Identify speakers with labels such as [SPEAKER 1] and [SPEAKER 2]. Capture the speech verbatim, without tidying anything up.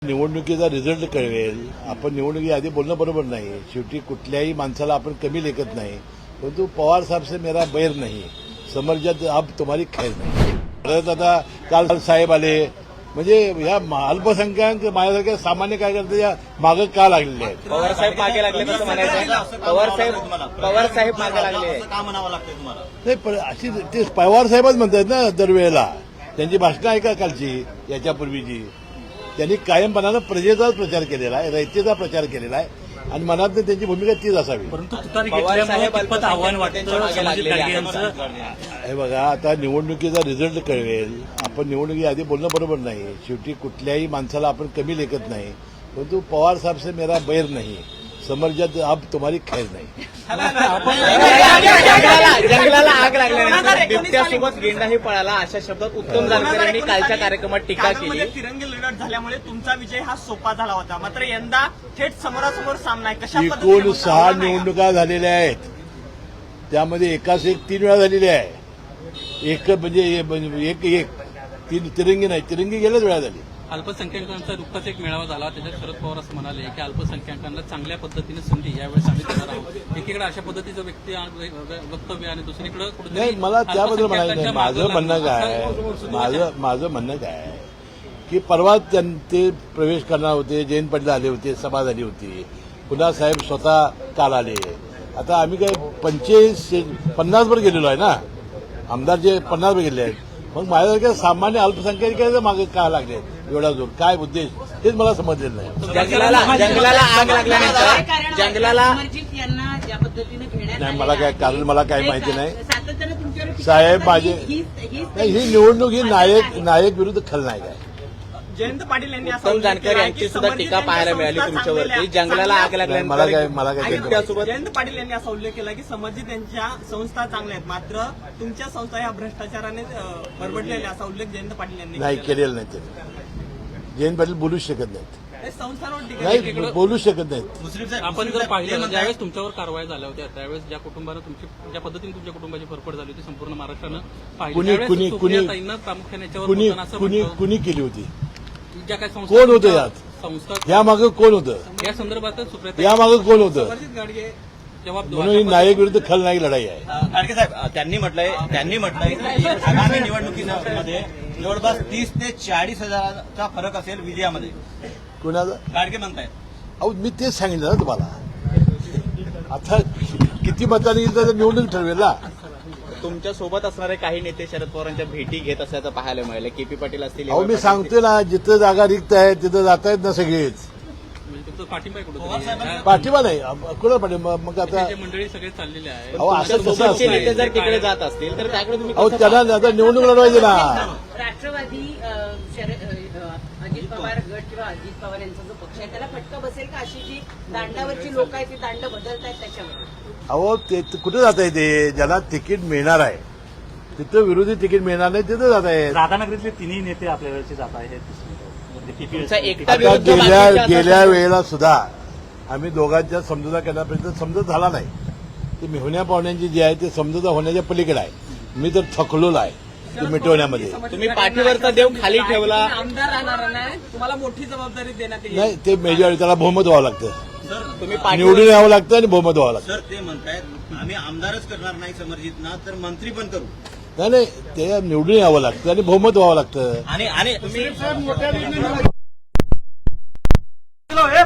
[SPEAKER 1] निवडणुकीचा रिझल्ट कळवेल. आपण निवडणुकी आधी बोलणं बरोबर नाही. शेवटी कुठल्याही माणसाला आपण कमी लेखत नाही. परंतु पवार साहेब से मेरा बैर नाही, समर्जात अब तुम्हारी खैर नाही. परत आता काल साहेब आले म्हणजे या अल्पसंख्याक माझ्यासारख्या सामान्य कार्यकर्त्याच्या मागे का लागलेले आहेत.
[SPEAKER 2] पवार साहेब मागे लागले कसं म्हणायचं. पवार साहेब पवार साहेब मागे लागले
[SPEAKER 3] का म्हणावं लागतं तुम्हाला.
[SPEAKER 1] नाही पण अशी ते पवार साहेबच म्हणतात ना दरवेळेला. त्यांची भाषणं ऐका कालची याच्यापूर्वीची. त्यांनी कायमपणानं प्रजेचाच प्रचार केलेला आहे, रयतेचा प्रचार केलेला आहे आणि मनात त्यांची भूमिका तीच असावी.
[SPEAKER 3] परंतु तुतारी घेतल्यामुळे कितपत आव्हान वाटतं संभाजी गाडगे यांचं.
[SPEAKER 1] हे बघा आता निवडणुकीचा रिझल्ट कळवेल. आपण निवडणुकी आधी बोलणं बरोबर नाही. शेवटी कुठल्याही माणसाला आपण कमी लेखत नाही. परंतु पवार साहेब से मेरा बैर नाही, समर्जात अब तुम्हारी खैर नाही.
[SPEAKER 2] जंगलाला आग लागल्यानंतर बिबट्यासोबत गेंडाही पळाला अशा शब्दात उत्तम जानकर यांनी कालच्या कार्यक्रमात टीका केली.
[SPEAKER 4] तिरंगी लढत झाल्यामुळे तुमचा विजय हा सोपा झाला होता, मात्र यंदा थेट समोरासमोर सामना आहे. कशा
[SPEAKER 1] एकूण सहा निवडणुका झालेल्या आहेत, त्यामध्ये एकाच एक तीन वेळा झालेली आहे. एक म्हणजे एक एक तीन तिरंगी नाही, तिरंगी गेल्याच वेळा झाली.
[SPEAKER 5] अल्पसंख्याकांचा नुकताच एक मेळावा झाला. त्याच्यात शरद पवार असं म्हणाले की अल्पसंख्याकांना चांगल्या पद्धतीने संधी यावेळेस आम्ही देणार आहोत. एकीकडे अशा पद्धतीचं व्यक्ती वक्तव्य आणि दुसरीकडे
[SPEAKER 1] नाही, मला त्याबद्दल म्हणायचं नाही. माझं म्हणणं काय माझं माझं म्हणणं काय की परवा ते प्रवेश करणार होते, जयंत पाटील आले होते, सभा झाली होती, पुन्हा साहेब स्वतः काल आले. आता आम्ही काय पंचेचाळीस पन्नास वर गेलेलो आहे ना, आमदार जे पन्नास वर गेले आहेत. मग माझ्यासारख्या सामान्य अल्पसंख्याकांच्या मागे का लागले एवढा जोर, काय उद्देश हेच मला समजलेलं नाही.
[SPEAKER 2] जंगलाला जंगलाला आग लागल्यानंतर जंगलाला
[SPEAKER 1] नाही मला काय कारण मला काय माहिती नाही. साहेब माझे ही निवडणूक ही नायक नायक विरुद्ध खलनायक आहे.
[SPEAKER 4] जयंत पाटील यांनी
[SPEAKER 2] उत्तम जानकर यांची सुद्धा टीका पाहायला मिळाली तुमच्यावरती. जंगलाला आग
[SPEAKER 1] मला काय
[SPEAKER 2] लागल्यानंतर
[SPEAKER 1] मला काय
[SPEAKER 2] बिबट्यासोबत
[SPEAKER 4] जयंत पाटील यांनी असा उल्लेख केला की संबंधित त्यांच्या संस्था चांगल्या आहेत, मात्र तुमच्या संस्था ह्या भ्रष्टाचाराने बरबडलेल्या, असा उल्लेख जयंत पाटील यांनी
[SPEAKER 1] नाही केलेलं नाही. ते जयंत पाटील बोलू शकत नाहीत.
[SPEAKER 4] संस्थांवर टीका
[SPEAKER 1] नाही बोलू शकत नाहीत.
[SPEAKER 3] मुश्रीफ साहेब,
[SPEAKER 5] आपण
[SPEAKER 3] मुश्रीफ
[SPEAKER 5] जर
[SPEAKER 3] साहेब,
[SPEAKER 5] पाहिलं
[SPEAKER 3] ते म्हणतायत-
[SPEAKER 5] ज्यावेळेस तुमच्यावर कारवाई झाल्या होत्या त्यावेळेस ज्या कुटुंबानं तुमची ज्या पद्धतीने तुमच्या कुटुंबाची फरफड झाली होती संपूर्ण महाराष्ट्रानं पाहिली.
[SPEAKER 1] कुणी
[SPEAKER 5] त्यावेळेस
[SPEAKER 1] कुणी कुणी
[SPEAKER 5] सुप्रियाताईंना प्रामुख्याने याच्यावर
[SPEAKER 1] कुणी
[SPEAKER 5] बोलताना असं
[SPEAKER 1] कुणी
[SPEAKER 5] म्हटलं
[SPEAKER 1] कुणी केली होती.
[SPEAKER 5] ज्या काही संस्था
[SPEAKER 1] कोण होतं यात?
[SPEAKER 5] संस्था
[SPEAKER 1] या मागे कोण होतं?
[SPEAKER 5] या संदर्भात सुप्रिया
[SPEAKER 1] या मागे कोण होतं?
[SPEAKER 4] गाडगे
[SPEAKER 5] जबाब
[SPEAKER 1] म्हणून ही नायक विरुद्ध खलनायक लढाई आहे.
[SPEAKER 3] गाडगे साहेब, त्यांनी म्हटलंय त्यांनी म्हटलंय की आगामी निवडणुकीमध्ये जवळपास तीस ते चाळीस हजाराचा फरक असेल विजयामध्ये.
[SPEAKER 1] कुणाला?
[SPEAKER 3] गाडगे म्हणतायत.
[SPEAKER 1] अहो मी तेच सांगितलं ना तुम्हाला. आता किती मतांनी येईल तर निवडणूक ठरवेल ना.
[SPEAKER 2] तुमच्या सोबत असणारे काही नेते शरद पवारांच्या भेटी घेत असल्याचं पाहायला मिळालं. केपी पाटील असतील,
[SPEAKER 1] अहो मी
[SPEAKER 2] पाटील
[SPEAKER 1] सांगतोय ना, जिथं जागा रिक्त आहे तिथं जात आहेत ना सगळेच.
[SPEAKER 5] म्हणजे तुमचं पाठिंबा आहे कुठं
[SPEAKER 1] पाठिंबा नाही कुणा पाठिंबा. मग आता
[SPEAKER 5] मंडळी सगळे चाललेले आहे.
[SPEAKER 1] अहो असं कसं
[SPEAKER 2] सोबतचे
[SPEAKER 1] असतं?
[SPEAKER 2] नेते जर तिकडे जात असतील तर त्याकडे तुम्ही
[SPEAKER 1] अहो
[SPEAKER 2] कसं
[SPEAKER 1] त्यांना आता निवडणूक लढवायची ना.
[SPEAKER 6] राष्ट्रवादी अ, शरद अ, अजित पवार गट किंवा अजित पवार यांचा जो पक्ष आहे त्याला फटका बसेल का? अशी जी दांडावरची लोक आहेत ती दांड बदलतायत त्याच्यावर.
[SPEAKER 1] अहो ते कुठे जात आहे? ते ज्याला तिकीट मिळणार आहे तिथं विरोधी तिकीट मिळणार नाही तिथं जात आहे.
[SPEAKER 7] राधानगरीतले तिन्ही नेते आपल्या वेळेचे जात आहेत.
[SPEAKER 2] तुमचा एकटा
[SPEAKER 1] आता
[SPEAKER 2] विरुद्ध
[SPEAKER 1] गेल्या
[SPEAKER 2] बाकीच्या
[SPEAKER 1] गेल्या
[SPEAKER 2] असं-
[SPEAKER 1] वेळेला सुद्धा आम्ही दोघांच्या समजुता करण्यापर्यंत समजत झाला नाही. ते मेहुण्या पाहुण्यांची जी आहे ते समजुता होण्याच्या पलीकडे आहे. मी तर थकलोला आहे ते मिटवण्यामध्ये.
[SPEAKER 2] तुम्ही पाठीवरचा देव खाली ठेवला.
[SPEAKER 4] आमदार राहणार नाही, तुम्हाला मोठी जबाबदारी देण्यात येईल.
[SPEAKER 1] नाही ते मेजॉरिटी त्याला बहुमत व्हावं लागतं.
[SPEAKER 3] सर
[SPEAKER 2] तुम्ही
[SPEAKER 1] निवडून
[SPEAKER 2] पाठीवर
[SPEAKER 1] यावं लागतं आणि बहुमत व्हावं लागतं.
[SPEAKER 3] सर ते म्हणतायत आम्ही आमदारच करणार नाही समर्जितना, तर मंत्री पण करू.
[SPEAKER 1] नाही नाही ते निवडून यावं लागतं आणि बहुमत व्हावं लागतं.
[SPEAKER 3] आणि आणि तुम्ही